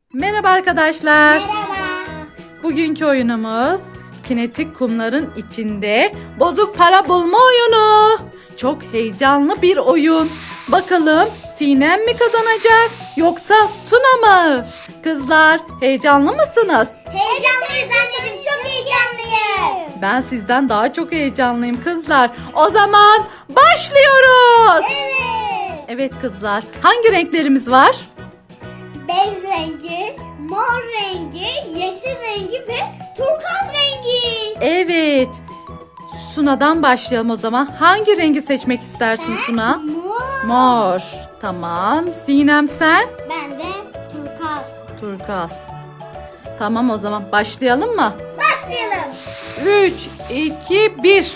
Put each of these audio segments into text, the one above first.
Merhaba arkadaşlar. Merhaba. Bugünkü oyunumuz kinetik kumların içinde bozuk para bulma oyunu. Çok heyecanlı bir oyun. Bakalım Sinem mi kazanacak yoksa Suna mı? Kızlar heyecanlı mısınız? Heyecanlıyız anneciğim, çok heyecanlıyız. Ben sizden daha çok heyecanlıyım kızlar. O zaman başlıyoruz. Evet. Evet kızlar, hangi renklerimiz var? Bej rengi, mor rengi, yeşil rengi ve turkuaz rengi. Evet. Suna'dan başlayalım o zaman. Hangi rengi seçmek istersin Suna? Mor. Mor. Tamam. Sinem sen? Ben de turkuaz. Turkuaz. Tamam o zaman başlayalım mı? Başlayalım. 3, 2, 1.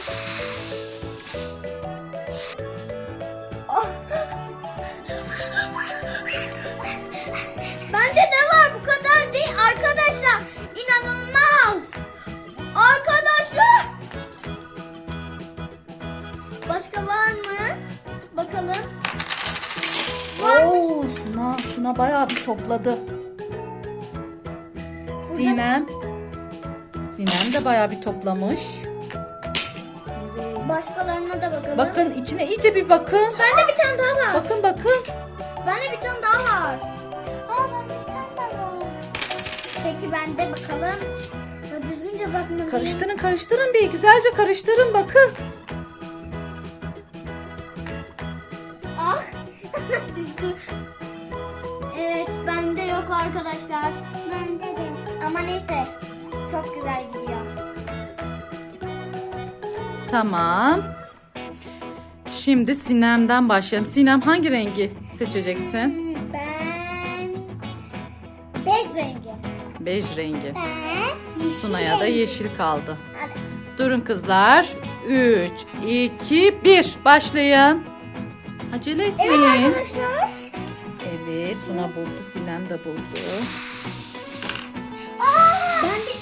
Bende ne var, bu kadar değil arkadaşlar. İnanılmaz. Arkadaşlar. Başka var mı? Bakalım. Varmış. Suna bayağı bir topladı. Sinem de bayağı bir toplamış. Başkalarına da bakalım. Bakın içine iyice bir bakın. Bende bir tane daha var. Bakın. Bende bir tane daha var. Bende bir tane daha var. Peki bende bakalım. Ya düzgünce bakmalıyım. Karıştırın bir. Güzelce karıştırın bakın. Ah. Düştü. Evet, bende yok arkadaşlar. Bende de. Ama neyse. Çok güzel gidiyor. Tamam. Şimdi Sinem'den başlayalım. Sinem hangi rengi seçeceksin? Ben bej rengi. Bej rengi. Ben Suna'ya da yeşil kaldı. Hadi. Durun kızlar. 3, 2, 1. Başlayın. Acele Evet etmeyin. arkadaşlar. Evet, Suna buldu. Sinem de buldu. Ben de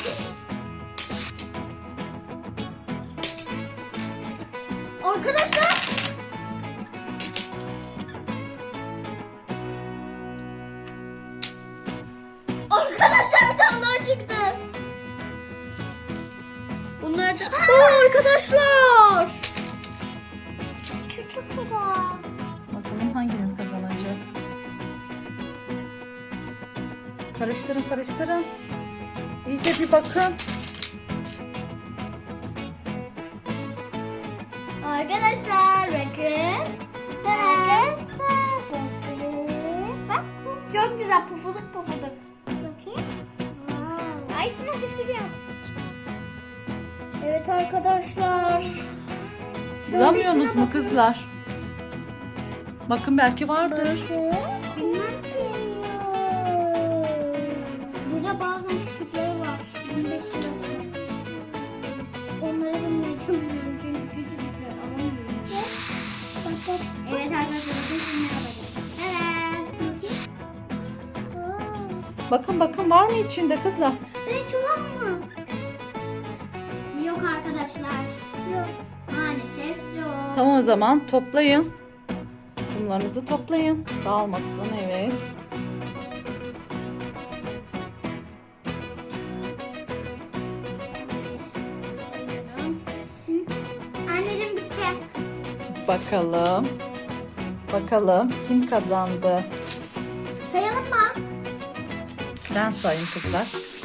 arkadaşlar. Arkadaşlar bir tane daha çıktı. Bunlar da... arkadaşlar. Küçük kadar. Bakalım hanginiz kazanacak? Karıştırın. İyice bir bakın. Arkadaşlar bakın. Arkadaşlar bakın. Bak çok güzel pufuduk. Bakayım. Ay şuna düşürüyorum. Evet arkadaşlar. Şöyle Bulamıyorsunuz içine mu kızlar? Bakın belki vardır. Bilmem ki. Burada bazen küçükleri var. 25 lirası. Onları bulmaya çalışıyorum çünkü küçücükler alamıyorum. Evet arkadaşlar bakın şimdi alacağım. Evet. Bakın var mı içinde kızlar? Belki var mı? Yok arkadaşlar. Yok. Maalesef yok. Tamam o zaman toplayın. Kumlarınızı toplayın. Dağılmasın, evet. Anneciğim bitti. Bakalım kim kazandı? Sayalım mı? Ben sayayım kızlar.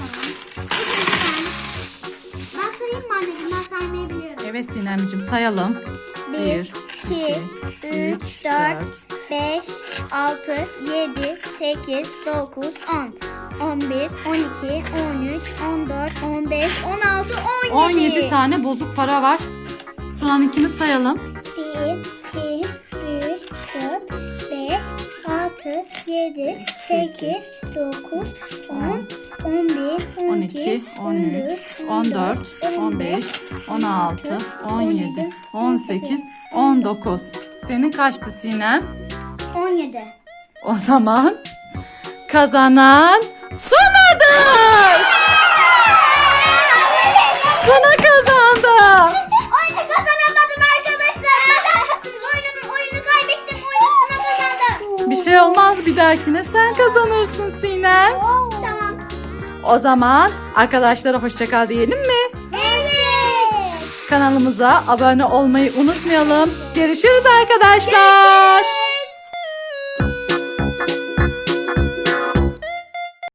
Ben sayayım mı anneciğim? Ben saymayı biliyorum. Evet Sinemciğim sayalım. 1, 2, 3, 4, 5, 6, 7, 8, 9, 10, 11, 12, 13, 14, 15, 16, 17. 17 tane bozuk para var. Suna'nınkini sayalım. 1, 2, 3, 4, 5, 6, 7, 8, 9, 10, 11, 12, 13, 14, 15, 16, 17, 18, 19. Senin kaçtı Sinem? 17. O zaman kazanan Suna'dır. Suna kazandı. Oyunu kazanamadım arkadaşlar. Bakar mısınız? Oyunu kaybettim. Oyunu Suna kazandı. Bir şey olmaz, bir dahakine sen kazanırsın Sinem. Tamam. O zaman arkadaşlara hoşça kal diyelim mi? Evet. Kanalımıza abone olmayı unutmayalım. Görüşürüz arkadaşlar.